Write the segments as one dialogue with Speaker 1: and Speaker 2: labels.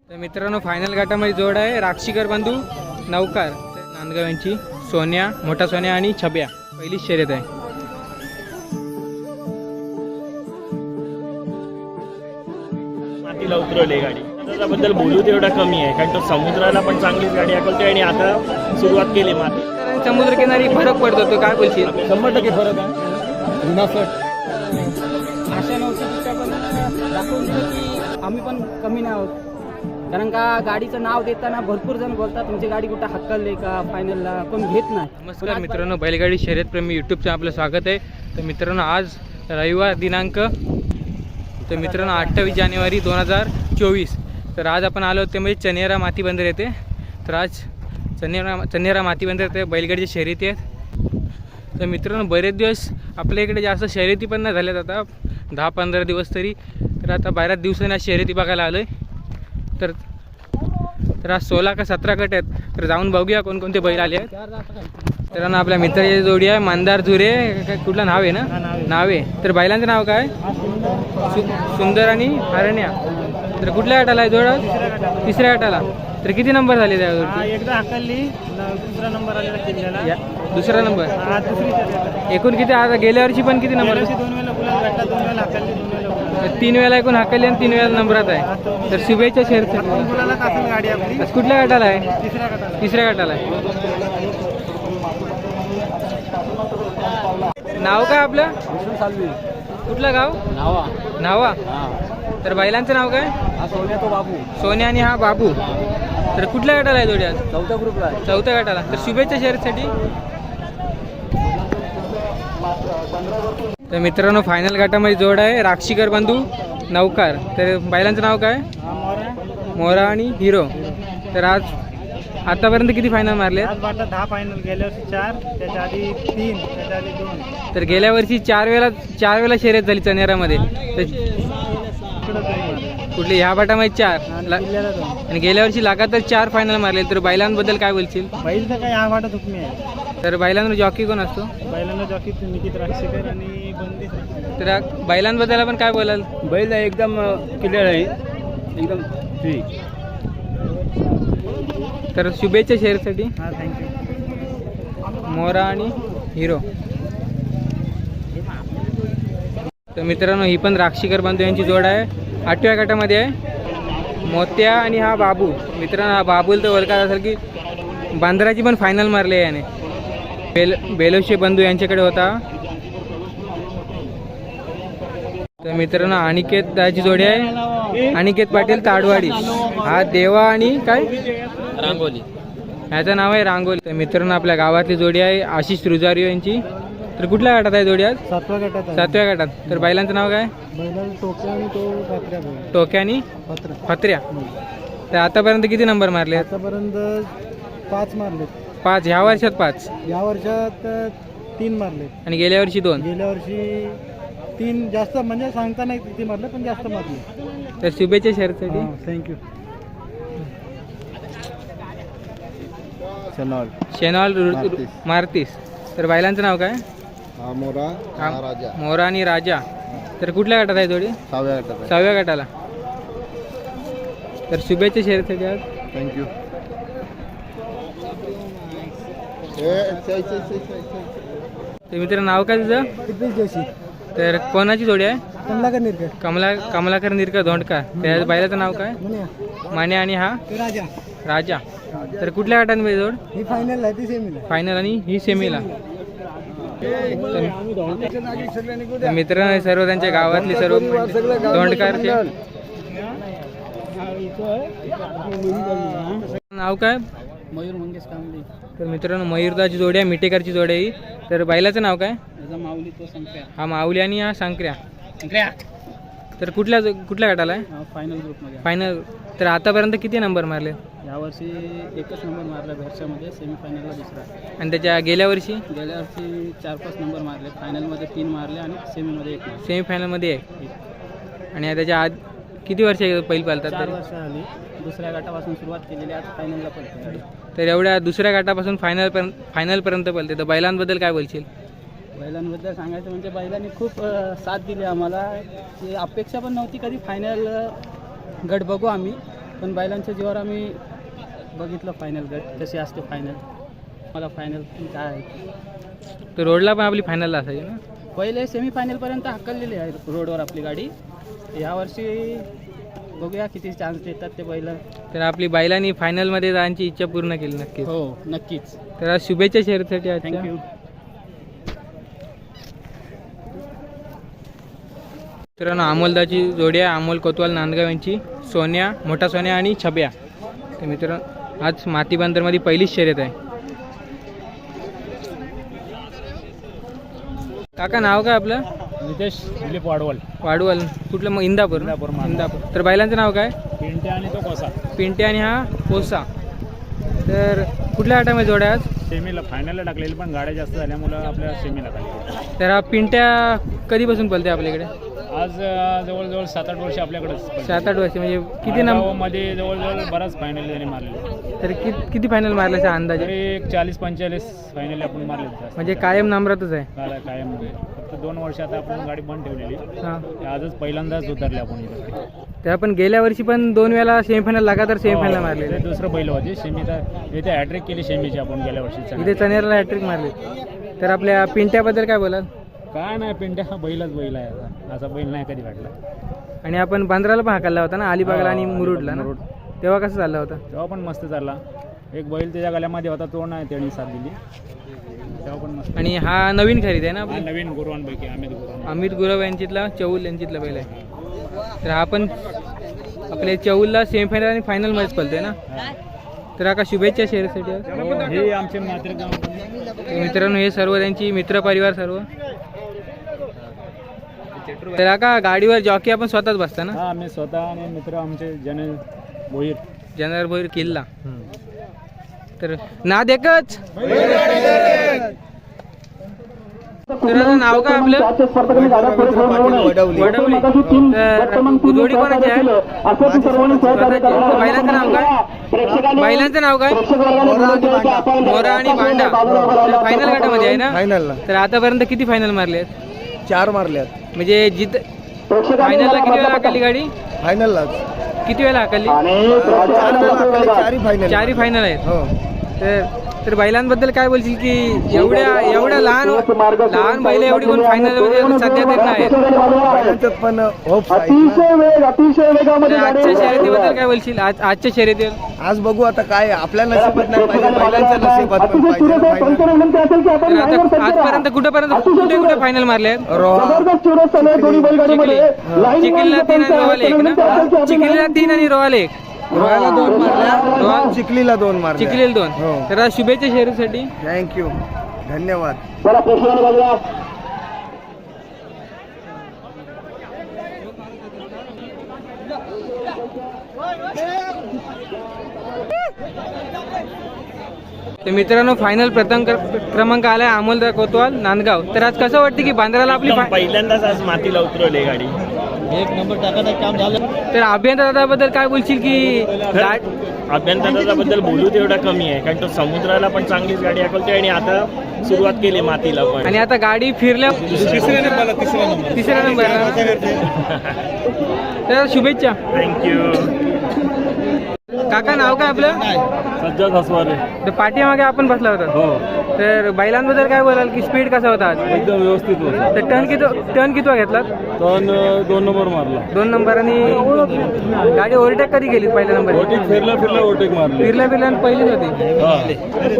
Speaker 1: तर मित्रांनो फायनल गटामध्ये जोड आहे राक्षीकर बंधू नौकार नांदगाव यांची सोन्या मोठा सोन्या आणि छब्या पहिली शर्यत आहे.
Speaker 2: मातीला उतरवली गाडी त्याच्याबद्दल बोलू तेवढा कमी आहे कारण तो समुद्राला पण चांगलीच गाडी हाकलतोय आणि आता सुरुवात केली माती
Speaker 1: समुद्रकिनारी फरक पडतो तो काय बोलशील?
Speaker 2: 100% फरक आहे.
Speaker 3: अशा नव्हती पण दाखवून दिलं की आम्ही पण कमी नाही आहोत. कारण का गाडीचं नाव देताना भरपूर जण बोलतात तुमची गाडी कुठं हक्कलली का फायनलला कोण घेत नाही.
Speaker 1: नमस्कार मित्रांनो, बैलगाडी शर्यतप्रेमी यूट्यूबचं आपलं स्वागत आहे. तर मित्रांनो आज रविवार दिनांक तर मित्रांनो 28 जानेवारी 2024. तर आज आपण आलो ते म्हणजे चनेरा माती बंदर येते. तर आज चनेरा माती बंदर येते बैलगाडीच्या शर्यती आहेत. तर मित्रांनो बरेच दिवस आपल्या इकडे जास्त शर्यती पण नाही झाल्यात, आता 10-15 दिवस तरी. तर आता बऱ्याच दिवसांनी आज शर्यती बघायला आलो आहे. तर आज 16 का 17 गट आहेत. तर जाऊन बघूया कोणकोणते बैल आले आहेत. तर ना आपल्या मित्राची जोडी आहे मंदार झुरे. काय कुठलं नाव आहे ना? नाव आहे. तर बैलांचं नाव काय? सुंदर आणि हरण्या. तर कुठल्या गटाला आहे जोड? तिसऱ्या गटाला. तर किती नंबर झाले त्यावर?
Speaker 2: एकदा हाकलली दुसरा नंबर आलेला किल्ल्याला.
Speaker 1: दुसरा नंबर. एकूण किती? आता गेल्या वर्षी पण किती नंबर?
Speaker 2: 2 वेळेला गुलाल भेटला, 2 वेळेला हाकलली, 2 वेळेला गुलाल.
Speaker 1: 3 वेळेला एकूण हाकली आणि 3 वेळेला नंबरात आहे. तर शुभेच्छा शर्यत.
Speaker 2: गुलालाच असेल गाडी आपली.
Speaker 1: कुठल्या गटाला आहे?
Speaker 2: तिसऱ्या गटाला.
Speaker 1: तिसऱ्या गटाला आहे. नाव काय आपलं? कुठलं गाव? नावा. तर बैलांचं नाव काय?
Speaker 3: सोन्या तो बाबू.
Speaker 1: सोन्या आणि हा बाबू. तर कुठल्या गटाला आहे जोडी आज?
Speaker 3: चौथ्या ग्रुपला आहे.
Speaker 1: चौथ्या गटाला. तर शुभेच्छा शर्यतीसाठी. तर मित्रांनो फायनल गटामध्ये जोड आहे राक्षीकर बंधू नौकार. तर बैलांचं नाव काय? मोरा आणि हिरो. तर आज आतापर्यंत किती फायनल मारले?
Speaker 2: आज वाटलं 10 फायनल. गेल्या वर्षी 4, त्याच्या आधी 3, त्याच्या आधी 2.
Speaker 1: तर गेल्या वर्षी 4 वेळेला शर्यत झाली चनेरामध्ये. तर कुठली ह्या गटामध्ये 4 आणि गेल्या वर्षी लगातार 4 फायनल मारले. तर बैलांबद्दल काय बोलशील?
Speaker 2: बैल तर काय हा वाटत हुकमी आहे.
Speaker 1: तर बैलांवर जॉकी कोण असतो?
Speaker 2: बैलांना जॉकी निकित राक्षीकर आणि बंदी.
Speaker 1: तर बैलांबद्दल आपण काय बोलाल?
Speaker 2: बैल एकदम क्लिअर आहे, एकदम फ्री.
Speaker 1: तर शुभेच्छा शेअरसाठी.
Speaker 2: हां, थँक्यू.
Speaker 1: मोरा आणि हिरो. तर मित्रांनो ही पण राक्षीकर बंधू यांची जोड आहे. 8व्या गटामध्ये आहे मोत्या आणि हा बाबू. मित्रांनो हा बाबूल तर ओळखत असेल की बांद्राची पण फायनल मारली आहे याने. बेलोशे बंधू यांच्याकडे होता. तर मित्रांनो अनिकेत दाची जोडी आहे. अनिकेत पाटील ताडवाडी. हा देवा आणि काय
Speaker 2: रांगोली.
Speaker 1: ह्याचं नाव आहे रांगोली. तर मित्रांनो आपल्या गावातली जोडी आहे आशिष रुजारियो यांची. तर कुठल्या गटात आहे जोडी आज?
Speaker 2: 7व्या गटात.
Speaker 1: 7व्या गटात. तर बैलांचं नाव काय?
Speaker 2: बैलाला टोक्या आणि तो पत्र्या.
Speaker 1: टोक्या आणि फत्र्या. तर आतापर्यंत किती नंबर मारले?
Speaker 2: आतापर्यंत 5 मारले.
Speaker 1: 5. ह्या वर्षात 5.
Speaker 2: या वर्षात 3 मारले
Speaker 1: आणि गेल्या वर्षी 2.
Speaker 2: गेल्या वर्षी 3. जास्त म्हणजे सांगता नाही किती मारले, पण जास्त मारले.
Speaker 1: तर शुभेच्छा शर्यतीसाठी.
Speaker 2: थँक्यू.
Speaker 1: शेनॉल मारतीस. तर बैलांचं नाव काय? मोरा आणि राजा. तर कुठल्या गटात आहे जोडी? 6व्या गटाला. तर शुभेच्छा शर्यतीसाठी आज.
Speaker 2: थँक्यू.
Speaker 1: तर मित्र नाव काय तुझं?
Speaker 2: जोशी.
Speaker 1: तर कोणाची जोडी आहे?
Speaker 2: कमलाकर निरकर.
Speaker 1: कमलाकर निरकर धोंडकर. त्या बैलाचं नाव काय? माने आणि हा राजा. तर कुठल्या गटांमध्ये जोड?
Speaker 2: ही फायनल आहे, ती सेमीला.
Speaker 1: फायनल आणि ही सेमीला. तर मित्रांनो सर्व त्यांच्या गावातली सर्व धोंडकरचे. नाव काय?
Speaker 3: मयूर मंगेश कांबळे.
Speaker 1: तर मित्रांनो मयूरदाची जोडी आहे, मिटेकरची जोडी आहे ही. तर बैलाचं नाव काय?
Speaker 3: माऊली तो संख्या.
Speaker 1: हा माऊली आणि हा सांकऱ्या. तर कुठल्या गटाला आहे?
Speaker 3: फायनल ग्रुपमध्ये.
Speaker 1: फायनल. तर आतापर्यंत किती नंबर मारले?
Speaker 3: यावर्षी 1च नंबर मारला घरच्यामध्ये, सेमीफायनलला 2रा.
Speaker 1: आणि त्याच्या गेल्या वर्षी?
Speaker 3: गेल्या वर्षी 4-5 नंबर मारले. फायनलमध्ये 3 मारले आणि सेमीमध्ये 1 मारले.
Speaker 1: सेमीफायनलमध्ये 1. आणि त्याच्या आज किती वर्ष पहिली पालतात?
Speaker 3: 4 वर्ष आली. दुसऱ्या गटापासून सुरुवात केलेली, आज फायनलला पडते.
Speaker 1: तर एवढ्या दुसऱ्या गटापासून फायनलपर्यंत पळते. तर बैलांबद्दल काय बोलशील?
Speaker 3: बैलांबद्दल सांगायचं म्हणजे बैलांनी खूप साथ दिली आम्हाला. अपेक्षा पण नव्हती कधी फायनल गट बघू आम्ही, पण बैलांच्या जीवावर आम्ही बघितलं फायनल गट कशी असते फायनल. मला फायनल काय आहे
Speaker 1: तर रोडला पण आपली फायनलला असायची ना.
Speaker 3: पहिले सेमीफायनलपर्यंत हाकललेली आहे रोडवर आपली गाडी. यावर्षी बघूया किती चान्स देतात ते बैल.
Speaker 1: तर आपली बैलांनी फायनलमध्ये जाण्याची इच्छा पूर्ण केली नक्कीच.
Speaker 3: हो नक्कीच.
Speaker 1: तर आज शुभेच्छा शर्यतीसाठी आजच्या.
Speaker 3: थँक्यू.
Speaker 1: मित्रांनो अमोलदाची जोडी आहे, अमोल कोतवाल नांदगाव यांची, सोन्या, मोठा सोन्या आणि छब्या. तर मित्रांनो आज माती बंदरमध्ये पहिलीच शर्यत आहे. काका नाव काय आपलं?
Speaker 2: नितेश दिलीप वाडवल.
Speaker 1: वाडवल. कुठलं मग? इंदापूर.
Speaker 2: इंदापूर.
Speaker 1: इंदापूर. तर बैलांचं नाव काय?
Speaker 2: पिंटे आणि तो कोसा.
Speaker 1: पिंटे आणि हा कोसा. तर कुठल्या आटामध्ये जोड्या आज?
Speaker 2: सेमीला फायनलला टाकलेली पण गाड्या जास्त झाल्यामुळं आपल्या सेमीला टाकली.
Speaker 1: तर हा पिंट्या कधीपासून पळते आपल्याकडे?
Speaker 2: आज जवळजवळ 7-8 वर्ष आपल्याकडेच.
Speaker 1: 7-8 वर्ष. म्हणजे किती
Speaker 2: मध्ये जवळजवळ बराच फायनल त्यांनी मारले.
Speaker 1: तर किती फायनल मारल्याचा अंदाज?
Speaker 2: तरी एक 40-45 फायनल आपण मारले.
Speaker 1: म्हणजे कायम नंबरातच आहे.
Speaker 2: कायम. फक्त 2 वर्ष आता आपण गाडी बंद ठेवलेली.
Speaker 1: हां.
Speaker 2: आजच पहिल्यांदाच उतरले आपण इथे.
Speaker 1: तर आपण गेल्या वर्षी पण 2 वेळा सेमीफायनल लगातार सेमीफायनल मारले.
Speaker 2: दुसरं पहिलं होते सेमीचा. इथे हॅट्रिक केली सेमीची आपण गेल्या वर्षी.
Speaker 1: इथे चनेरला हॅट्रिक मारली. तर आपल्या पिंट्याबद्दल काय बोलाल?
Speaker 2: काय नाही, पिंट्या हा बैलच बैल आहे. असा बैल नाही कधी वाटला.
Speaker 1: आणि आपण बांद्राला पण हाकलला होता ना, अलिबागला आणि मुरुडला ना.
Speaker 2: मुरुड.
Speaker 1: तेव्हा कसं चालला होता?
Speaker 2: तेव्हा पण मस्त चालला. एक बैल त्याच्या गळ्यामध्ये होता तो नाही त्याने साथ दिली. तेव्हा पण मस्त.
Speaker 1: आणि हा नवीन खरेदी आहे ना आपली?
Speaker 2: नवीन गुरुवांपैकी
Speaker 1: अमित गुरव यांच्यातला, चौल यांच्यातला बैल आहे. तर हा पण आपल्या चौलला सेमीफायनल आणि फायनल मॅच पळतोय ना. तर आता शुभेच्छा शर्यतीसाठी.
Speaker 2: हे आमचे मात्र
Speaker 1: मित्रांनो हे सर्व त्यांची मित्र परिवार सर्व. तर का गाडीवर जॉकी आपण स्वतःच बसता ना?
Speaker 2: हा, आम्ही स्वतः आणि मित्र आमचे भोईर.
Speaker 1: जनरल भोईर किल्ला. तर नाद एकच. तर नाव काय आपलं? वडवली. तर जोडी कोणाची आहे? बैलांचं नाव काय? बैलांचं नाव काय? मोरा आणि भांडा. फायनल गटामध्ये आहे ना?
Speaker 4: फायनलला
Speaker 1: तर आतापर्यंत किती फायनल मारले आहेत?
Speaker 4: 4 मारल्यात.
Speaker 1: म्हणजे फायनलला किती वेळा हाकलली गाडी?
Speaker 4: फायनललाच
Speaker 1: किती वेळा हाकलली?
Speaker 4: 4 फायनल.
Speaker 1: 4 फायनल आहेत.
Speaker 4: हो.
Speaker 1: तर बैलांबद्दल काय बोलशील की एवढ्या लहान बैल एवढी कोण फायनल मध्ये सध्या देत नाहीत?
Speaker 4: फायनलचं पण होप्स आहेत
Speaker 1: तर आजच्या शर्यतीबद्दल काय बोलशील? आजच्या शर्यतीवर
Speaker 4: आज बघू आता काय आपल्या नशिबात नाही पाहिजे, बैलांच्या नशिबात पण पाहिजे ना फायनल.
Speaker 1: तर आता आजपर्यंत कुठे फायनल मारले आहेत? चिखलीला 3 आणि रोहाला 1 ना? चिखलीला 3 आणि रोहाला 1.
Speaker 4: रोहाला 2 मारल्या, चिखलीला 2 मारल्या.
Speaker 1: चिखलीला 2.
Speaker 4: हो.
Speaker 1: तर आज शुभेच्छा शर्यतीसाठी.
Speaker 4: थँक्यू, धन्यवाद.
Speaker 1: तर मित्रांनो फायनल प्रथम क्रमांक आलाय अमोल कोतवाल नांदगाव. तर आज कसं वाटतं की बांद्राला आपली
Speaker 2: पहिल्यांदाच आज मातीला उतरवली गाडी.
Speaker 3: एक नंबर टाकायचं काम झालं.
Speaker 1: तर अभियंताबद्दल काय बोलशील की
Speaker 2: अभियंताबद्दल बोलू तेवढा कमी आहे, कारण तो समुद्राला पण चांगलीच गाडी हाकलते आणि आता सुरुवात केली मातीला पण.
Speaker 1: आणि आता गाडी फिरल्या तिसऱ्या नंबर. तर शुभेच्छा.
Speaker 2: थँक्यू.
Speaker 1: काका नाव काय आपलं?
Speaker 2: सज्जद हसवारे.
Speaker 1: तर पाठीमागे आपण बसला होता.
Speaker 2: हो.
Speaker 1: तर बैलांबद्दल काय बोलाल की स्पीड कसा होता आज?
Speaker 2: एकदम व्यवस्थित होता.
Speaker 1: तर टर्न किती घेतला?
Speaker 2: 2 नंबर मारला.
Speaker 1: 2 नंबर. आणि गाडी ओव्हरटेक कधी गेली पहिल्या नंबर?
Speaker 2: फिरला ओव्हरटेक मारली.
Speaker 1: फिरल्या पहिलीच होती.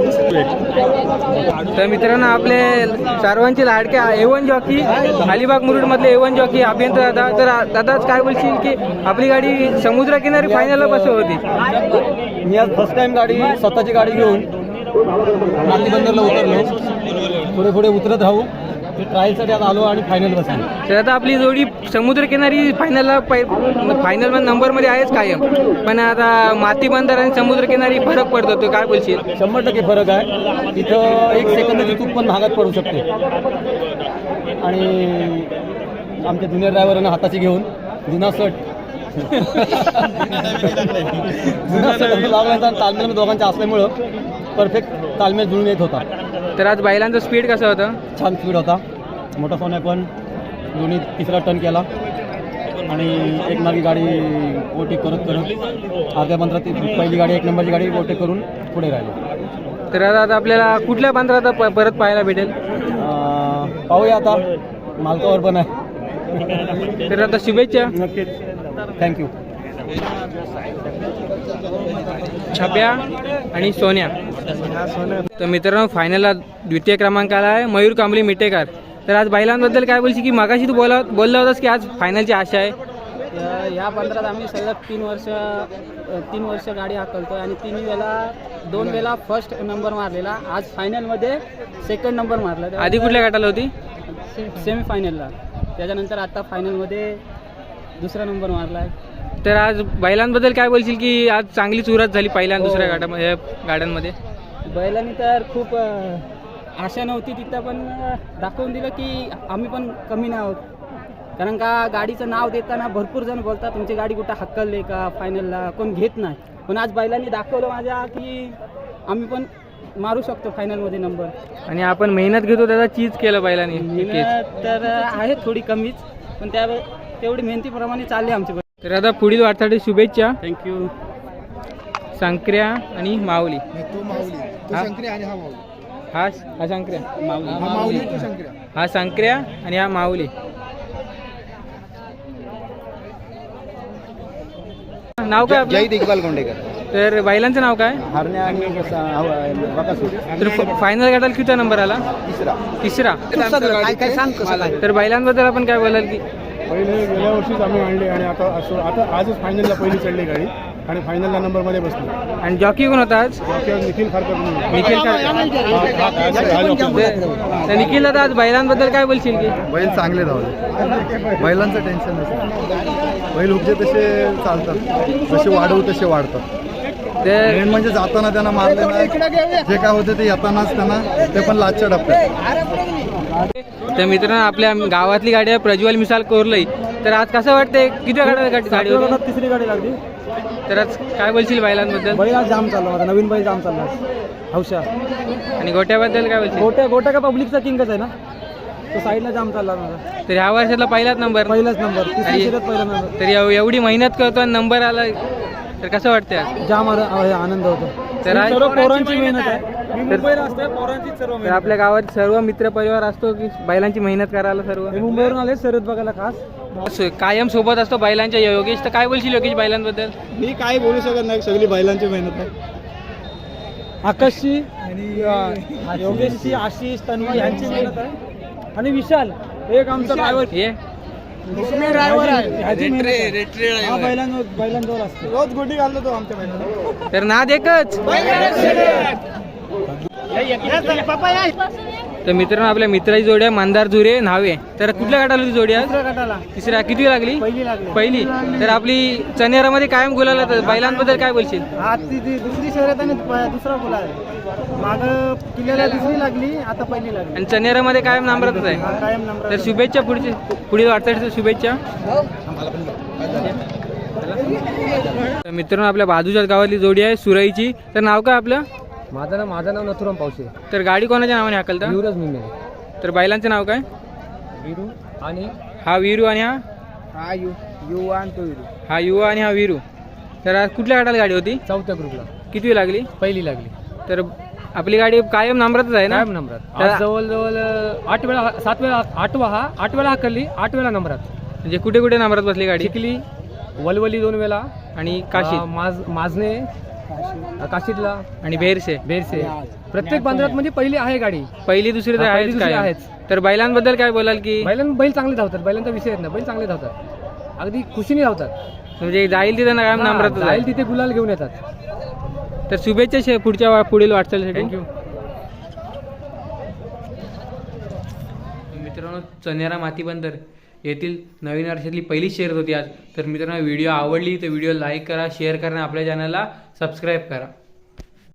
Speaker 1: तर मित्रांनो आपले सर्वांचे लाडके A1 जॉकी अलिबाग मुरुड मधले A1 जॉकी अभियंता दादा. तर दादाच काय बोलशील की आपली गाडी समुद्रकिनारी फायनलला बसव होती?
Speaker 3: मी आज फर्स्ट टाइम स्वतःची गाडी घेऊन माती बंदरला उतरलो. पुढे उतरत राहू. ट्रायलसाठी आज आलो आणि फायनल बसलो.
Speaker 1: तर आता आपली जोडी समुद्रकिनारी फायनल नंबरमध्ये आहेच कायम, पण आता माती बंदर आणि समुद्रकिनारी फरक पडतो. तो काय बोलशील?
Speaker 3: 100% फरक आहे. तिथं 1 सेकंदाची चूक पण महागात पडू शकते. आणि आमच्या जुनियर ड्रायव्हरांना हाताची घेऊन जुना शर्ट लागल्याचा तालमेल दोघांच्या असल्यामुळं परफेक्ट तालमेल जुळून येत होता.
Speaker 1: तर आज बैलांचा स्पीड कसा होता?
Speaker 3: छान स्पीड होता. मोठा सोन्या पण दोन्ही 3रा टर्न केला.
Speaker 5: आणि एक मागे गाडी ओव्हरटेक करत अर्ध्या पंधरात पहिली गाडी 1 नंबरची गाडी ओव्हरटेक करून पुढे राहिली.
Speaker 1: तर आता आपल्याला कुठल्या पंधरात परत पाहायला भेटेल?
Speaker 5: पाहूया आता, मालकावर पण आहे.
Speaker 1: तर आता शुभेच्छा.
Speaker 5: नक्कीच, थँक्यू.
Speaker 1: छाप्या आणि सोन्या. तर मित्रांनो फायनलला द्वितीय क्रमांकाला आहे मयूर कांबळी मिटेकर. तर आज बैलांबद्दल काय बोलशील की मागाशी तू बोलला होतास की आज फायनलची आशा आहे?
Speaker 3: या 15 आम्ही सलग 3 वर्ष गाडी हाकलतो आणि 2 वेळा फर्स्ट नंबर मारलेला. आज फायनलमध्ये सेकंड नंबर मारला.
Speaker 1: आधी कुठल्या गटाला होती?
Speaker 3: सेमीफायनलला. त्याच्यानंतर आता फायनलमध्ये दुसरा नंबर मारला आहे.
Speaker 1: तर आज बैलांबद्दल काय बोलशील की आज चांगली चुरत झाली पहिल्या आणि दुसऱ्या गाड्यामध्ये गाड्यांमध्ये?
Speaker 3: बैलांनी तर खूप आशा नव्हती तिथं, पण दाखवून दिलं की आम्ही पण कमी नाही आहोत. कारण का गाडीचं नाव देताना भरपूर जण बोलतात तुमची गाडी कुठं हक्कलले का फायनलला, कोण घेत नाही. पण आज बैलांनी दाखवलं माझ्या की आम्ही पण मारू शकतो फायनलमध्ये नंबर.
Speaker 1: आणि आपण मेहनत घेतो त्याचा चीज केलं बैलांनी.
Speaker 3: मेहनत तर आहे थोडी कमीच, पण तेवढी मेहनतीप्रमाणे चालली आमची.
Speaker 1: तर आता पुढील वाटसाठी शुभेच्छा.
Speaker 3: थँक्यू.
Speaker 1: संक्र्या आणि माऊली.
Speaker 4: तो माऊली, तो
Speaker 1: हा?
Speaker 4: शंकरी आणि हा माऊली.
Speaker 1: हा संक्र्या,
Speaker 4: हा माऊली, तो शंकरी.
Speaker 1: हा संक्र्या आणि हा माऊली. नाव काय आपलं?
Speaker 4: जय इक्बाल गोंडेकर.
Speaker 1: तर बैलांचं नाव काय?
Speaker 5: हरण्या आणि बकासूर.
Speaker 1: तर फायनल गटाला किती नंबर आला? तिसरा.
Speaker 4: काय सांग कसं?
Speaker 1: तर बैलांबद्दल आपण काय बोलाल की?
Speaker 6: पहिले गेल्या वर्षीच आम्ही आणले आणि आता आजच फायनलला पहिली चढली गाडी आणि फायनलला नंबरमध्ये बसली.
Speaker 1: आणि जॉकी कोण होता आज?
Speaker 6: निखिल खारकर म्हणून.
Speaker 1: निखिल तर निखिल दादा आज बैलांबद्दल काय बोलशील की?
Speaker 4: बैल चांगले धावले, बैलांचं टेन्शन नसतं. बैल उपजे तसे चालतात, जसे वाढवू तसे वाढतात.
Speaker 1: तर
Speaker 4: मेन म्हणजे जाताना त्यांना मारले नाही, जे काय होते ते येतानाच त्यांना ते पण लाचच्या डबक्यात.
Speaker 1: तर मित्रांनो आपल्या गावातली गाडी आहे प्रज्वल मिसाल कोरलई. तर आज कसं वाटतंय किती गाडी होती?
Speaker 5: तिसरी गाडी लागली.
Speaker 1: तर आज काय बोलशील बैलांबद्दल?
Speaker 5: बैल आज जाम चालला, माझा नवीन बैल जाम चालला हौशा.
Speaker 1: आणि गोट्याबद्दल काय बोलशील?
Speaker 5: गोट्या का पब्लिकचा किंगच आहे ना, तो साईडला जाम चालला माझा.
Speaker 1: तर ह्या वर्षातला पहिलाच नंबर.
Speaker 5: पहिलाच नंबर, तिसरी शर्यत पहिला नंबर.
Speaker 1: तर एवढी मेहनत करतो आणि नंबर आला तर कसं वाटतंय आज?
Speaker 5: जाम आनंद होतो.
Speaker 1: तर आज
Speaker 5: सर्व पोरांची मेहनत आहे. मी मुंबईला असतो, पोरांची सर्व
Speaker 1: तर
Speaker 5: मेहनत.
Speaker 1: आपल्या गावात सर्व मित्र परिवार असतो की बैलांची मेहनत करायला सर्व
Speaker 5: मी मुंबईवरून आले शर्यत बघायला खास.
Speaker 1: कायम सोबत असतो बैलांच्या योगेश. तर काय बोलशील योगेश बैलांबद्दल?
Speaker 5: मी काय बोलू शकत नाही, सगळी बैलांची मेहनत आहे. आकाशची आणि योगेशची, आशिष, तन्मय यांची मेहनत आहे. आणि विशाल एक आमचा ड्रायव्हर
Speaker 1: ये
Speaker 5: बैलांजवळ असतो, रोज गोटी घालतो तो आमच्या मेहनत.
Speaker 1: तर नाद एकच. तर मित्रांनो आपल्या मित्राची जोडी आहे मंदार झुरे नावे. तर कुठल्या गटाला होती जोडी आज? तिसऱ्या. किती लागली? पहिली. तर आपली चनेरामध्ये कायम गुलाल. बैलांबद्दल काय बोलशील?
Speaker 5: आज ती दुसरी शर्यत आणि दुसरा बोला माग किल्ल्याला दुसरी लागली, आता पहिली लागली.
Speaker 1: आणि चनेरामध्ये कायम नंबरातच आहे.
Speaker 5: कायम नंबर.
Speaker 1: तर शुभेच्छा पुढील वाटचालीच्या शुभेच्छा. तर मित्रांनो आपल्या बाजूच्याच गावातली जोडी आहे सुरईची. तर नाव काय आपलं?
Speaker 5: माझं नाव नथुराम पावसे.
Speaker 1: तर गाडी कोणाच्या नावाने हाकलता?
Speaker 5: युवराज मिमे.
Speaker 1: तर बैलांचं नाव काय?
Speaker 5: वीरू आणि
Speaker 1: हा वीरू आणि हा
Speaker 5: हा युवा आणि तो वीरू.
Speaker 1: हा युवा आणि हा वीरू. तर आज कुठल्या गटाला गाडी होती?
Speaker 5: चौथ्या ग्रुपला
Speaker 1: किती लागली?
Speaker 5: पहिली लागली.
Speaker 1: तर आपली गाडी कायम नंबरातच आहे ना?
Speaker 5: कायम नंबरात. आज जवळजवळ 8 वेळा 7 वेळा 8 वेळा हाकलली, 8 वेळा नंबरात.
Speaker 1: म्हणजे कुठे कुठे नंबरात बसली गाडी?
Speaker 5: चिखली, वलवली 2 वेळा
Speaker 1: आणि काशी
Speaker 5: माझने, काशीतला
Speaker 1: आणि बेरसे.
Speaker 5: प्रत्येक बांद्रात म्हणजे पहिली आहे गाडी.
Speaker 1: पहिली दुसरी तर
Speaker 5: हा, पहिली
Speaker 1: आहेच
Speaker 5: दुसरी
Speaker 1: काय.
Speaker 5: आहेच.
Speaker 1: तर बैलांबद्दल काय बोलाल की?
Speaker 5: बैल चांगले धावतात, बैलांचा विषय येत नाही, बैल चांगले धावतात, अगदी खुशीने धावतात.
Speaker 1: म्हणजे जाईल तिथं कायम नंबरातच आहे.
Speaker 5: जाईल तिथे गुलाल घेऊन येतात.
Speaker 1: तर शुभेच्छा पुढील वाटचालीसाठी.
Speaker 5: थँक्यू.
Speaker 1: मित्रांनो चनेरा माती बंदर येथील नवीन वर्षातली पहिली शर्यत होती आज. तर मित्रांनो व्हिडिओ आवडली तर व्हिडिओ लाईक करा, शेअर करा, आपल्या चॅनलला सबस्क्राईब करा.